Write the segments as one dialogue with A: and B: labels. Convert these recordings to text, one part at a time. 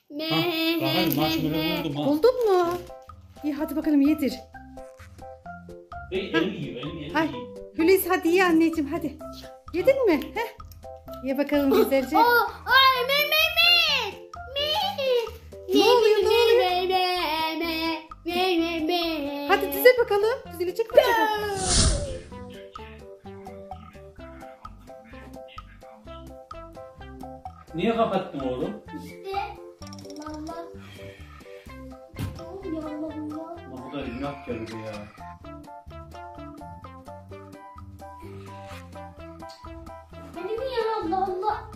A: Bakalım marshmallow buldum ha.
B: Buldun mu? İyi hadi bakalım yedir.
A: Elim yiyor, elim
B: Ay,
A: yiyor.
B: Hulusi hadi ye anneciğim hadi. Yedin mi? Heh. Ye bakalım güzelce.
C: Ay me.
B: Ne oluyor, ne oluyor? Hadi dize bakalım. Dizilecek mi acaba?
A: Niye kapattın oğlum?
C: İşte Allah. Ya Allah.
A: Bu kadar günah geldi ya.
C: Benim ya Allah Allah.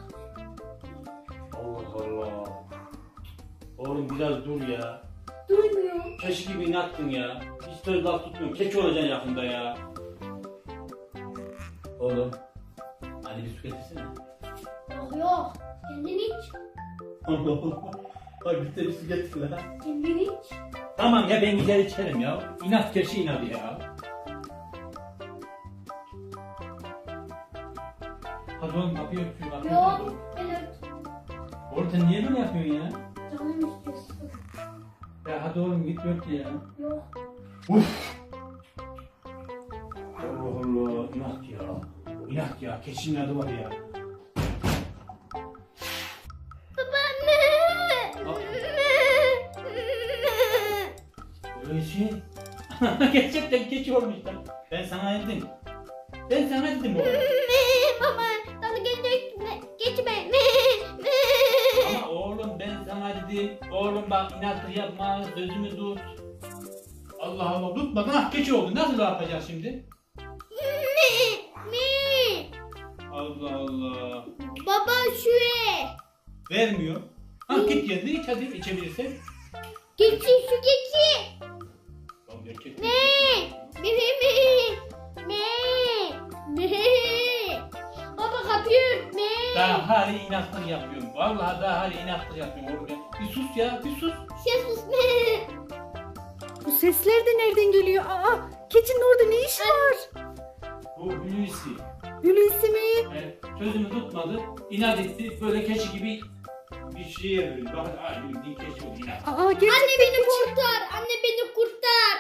A: Allah Allah. Oğlum biraz dur ya.
C: Duymuyor.
A: Keşke gibi inattın ya. Hiç söz laf tutmuyorum. Keçi olacaksın yakında ya. Oğlum. Hani bir su getirsene.
C: Yok. Kendin iç.
A: Bak bir de bir su getir lan.
C: Kendin iç.
A: Tamam ya ben gider içerim ya. İnat keçi inadı ya. Hadi oğlum kapıyı ört şu kapıyı.
C: Yok. Evet.
A: Oğlum sen niye böyle yapıyorsun ya?
C: Canım istiyorsun.
A: Ya hadi oğlum git ört ya.
C: Yok.
A: Uf. Allah Allah. İnat ya. İnat ya. Keçinin adı var ya.
C: Babaanne.
A: Öyle şey. Gerçekten keçi olmuş lan. Ben sana dedim. Ben sana dedim oğlum.
C: Baba. Sana geçme.
A: Ama oğlum ben sana dedim. Oğlum bak inatlık yapma. Sözümü tut. Allah Allah. Tutma. Ah keçi oldu. Nasıl yapacağız şimdi? Allah Allah.
C: Baba şuraya.
A: Vermiyor. Ha git yerine iç hadi içebilirsen.
C: Geçi şu geçi.
A: Tamam erkek.
C: Me. Baba kapıyı ört.
A: Daha hali inatlık yapıyorum. Vallahi daha hali inatlık yapıyorum oğlum ya. Bir sus ya bir sus.
C: Sus.
B: Bu sesler de nereden geliyor? Aa, keçinin orada ne işi var?
A: Bu Hulusi.
B: Hulusi mi?
A: Sözümü tutmadı. İnat etti. Böyle keçi gibi bir şeye böyle. Bak aynı bildiğin keçi oldu inat.
B: Aa, gerçekten
C: Anne beni
B: keçi.
C: kurtar. Anne beni kurtar.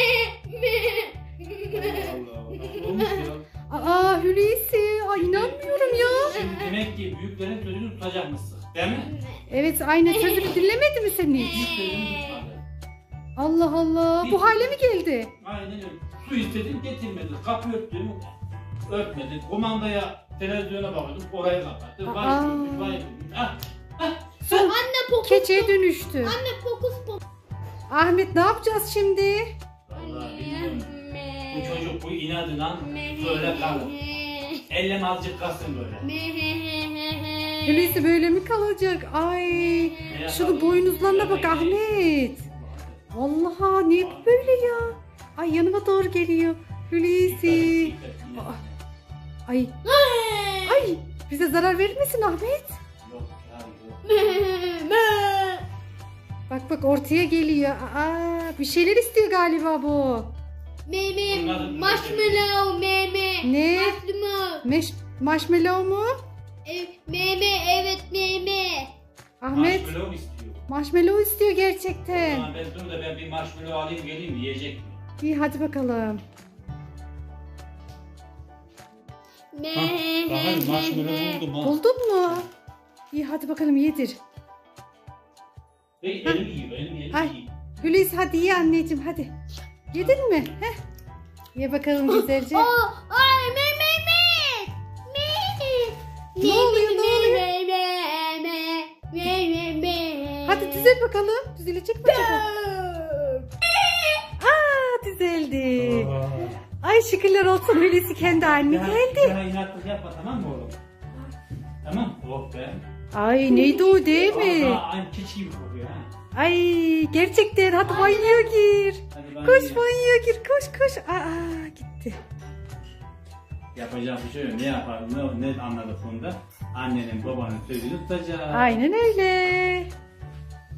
A: Allah Allah. Olmuş ya.
B: Aa, Hulusi. Aa, inanmıyorum ya.
A: Şimdi demek ki büyüklerin sözünü tutacakmışsın. Değil mi?
B: Evet aynen sözünü dinlemedi mi sen hiç?
A: Hiç sözünü tutmadı.
B: Allah Allah. Bu hale mi geldi?
A: Aynen öyle. Su istedim getirmedi. Kapı örttüm. Örtmedi. Kumandaya televizyona bakıyordum. Oraya kapattı. Vay
B: Aa.
A: gülmüş, vay gülmüş. Ah.
C: Anne pokus.
B: Keçiye dönüştü.
C: Anne pokus.
B: Ahmet ne yapacağız şimdi?
A: Vallahi bilmiyorum. Bu çocuk bu inadına böyle kalır. Ellem azıcık kalsın böyle.
B: Hulusi böyle mi kalacak? Ay. Şunu boynuzlarına bak Ahmet. Vallahi ne bu böyle ya? Ay yanıma doğru geliyor. Hulusi. Aa, Ay. Ay. Bize zarar vermesin Ahmet.
A: Yok ya yok.
B: Bak bak ortaya geliyor. Aa, bir şeyler istiyor galiba bu.
C: Marshmallow
B: Ne?
C: Marshmallow.
B: Marshmallow mu?
C: Evet
B: Ahmet
A: Marshmallow istiyor.
B: marshmallow istiyor gerçekten.
A: Tamam ben dur da ben bir marshmallow alayım geleyim yiyecek mi?
B: İyi hadi bakalım.
A: Bakalım marshmallow buldum ha.
B: Buldun mu? İyi hadi bakalım yedir.
A: Elim yiyor elim
B: Ay.
A: yiyor.
B: Hulusi hadi ye anneciğim hadi. Yedin mi? Heh. Ye bakalım güzelce.
C: Ay
B: Ne oluyor, ne oluyor? Hadi düzel bakalım. Düzelecek mi acaba? Aa düzeldi. Ay şükürler olsun Hulusi kendi haline geldi.
A: Daha inatlık yapma tamam mı oğlum? Tamam. Oh be.
B: Ay neydi o değil mi?
A: Aa, aynı keçi gibi kokuyor ha.
B: Ay gerçekten hadi banyoya gir.
A: Hadi ben
B: Koş
A: yiyeyim.
B: banyoya gir koş. Aa gitti.
A: Yapacak bir şey yok. Ne yapalım? Ne anladık bunda? Annenin babanın sözünü tutacak.
B: Aynen öyle.